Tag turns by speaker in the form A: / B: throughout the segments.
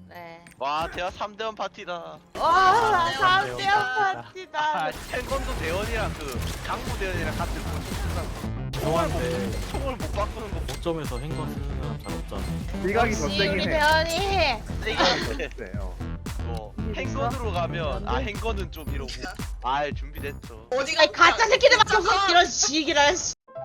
A: 네.
B: 와 대화 3대1 파티다.
A: 와,
C: 삼 대원
A: 3대1 파티다.
B: 탱건도 대원이랑 그 강구 대원이랑 같은 거.
C: 죄송한데
B: 총을 못 바꾸는 거
C: 5점에서 행거 쓰는 사람 잘 없잖아.
D: 일각이 더
A: 역시 우리
D: 세긴 해.
A: 대원이.
B: 세게
D: 세요.
B: 뭐 행건으로 가면 아 행건은 좀 이러고 아 준비됐죠.
E: 어디가
A: 아니, 가짜 새끼들밖에 없어. 이런 지기를.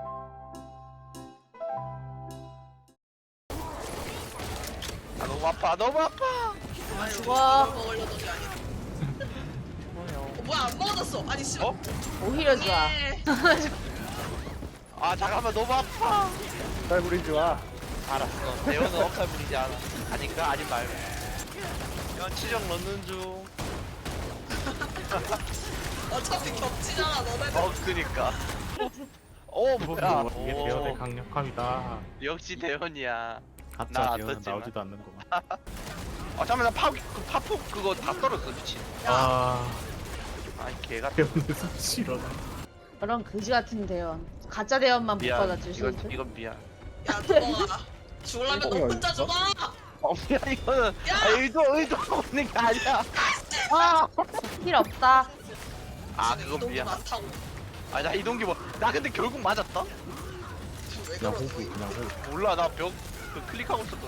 B: 아 너무 아파 너무 아파.
A: 죽어.
E: 먹으려던 게 아니야. 뭐야 안 먹어졌어. 아니 씨발.
B: 어?
A: 오히려 좋아.
B: 아 잠깐만 너무 아파.
D: 잘 부리지 마.
B: 알았어. 대원은 엄살 부리지 않아. 아닌가? 아닌 말고. 이건 치정 넣는 중.
E: 어차피 겹치잖아 너네들.
B: 그니까. 오 뭐야?
C: 이게 대원의 강력함이다.
B: 역시 대원이야. 나
C: 가짜
B: 안
C: 대원은
B: 떴지만.
C: 나오지도 않는구만.
B: 아 잠깐만 그 파폭 그거 다 떨었어 미친.
C: 아
B: 아이 개가.
C: 대원의 수치로.
A: 그런 그지 같은 대원. 가짜 대원만 못
B: 미안.
A: 받아줄 수
B: 이건
A: 있어.
B: 이건 미안.
E: 야 누가 죽을라면 너 혼자 죽어.
B: 미안 이거는
E: 야!
B: 아, 의도 없는 게 아니야. 아,
A: 필요 없다.
B: 아 그건
E: 너무
B: 미안.
E: 많다고.
B: 아 나 이동기 뭐 나 근데 결국 맞았다?
E: 왜
C: 그냥
E: 그러는
C: 호구
E: 거야?
C: 그냥 호구.
B: 몰라 나 벽 그 클릭하고 있었거든.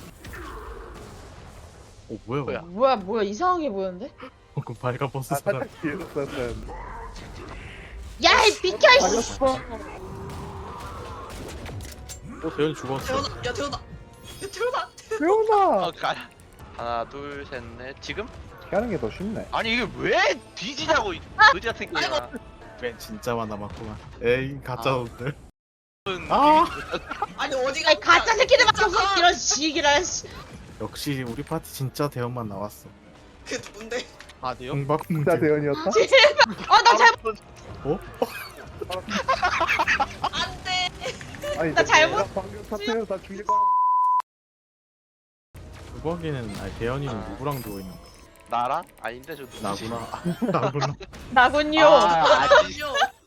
C: 오 뭐야
B: 뭐야?
C: 뭐야?
A: 뭐야 이상하게 보였는데?
C: 그 발가 버스
D: 아
C: 사람.
D: 살짝 뒤에서 썼는.
A: 야, 이 비켜 이씨.
D: 맞았어.
C: 대원 죽었어.
E: 태어나. 야 태어나. 야 태어나.
D: 태훈아.
B: 가. 하나 둘 셋 넷 지금?
D: 이렇게 하는 게 더 쉽네.
B: 아니 이게 왜 뒤지냐고 이 거지 같은 게야.
C: 맨 진짜만 남았구만. 에이 가짜 놈들.
B: 아.
E: 아니 어디가
A: 아니, 가짜 새끼들밖에 없어. 이런 지기를.
C: 역시 우리 파티 진짜 대원만 나왔어.
E: 그 누군데?
B: 아 돼요?
C: 공박
D: 진짜
C: 문제.
D: 대현이었다?
A: 나 잘못.
C: 어?
E: 안돼.
D: 아니
A: 나 잘못-
D: 나 방금 사태로 다 죽일 거야.
C: 그거기는 아니 대현이는
B: 아.
C: 누구랑 누워 있는 거야?
B: 나랑? 아닌데 저 누구지?
C: 나구나. 나구나.
A: 나군요.
B: 아, 아직
E: 아니요.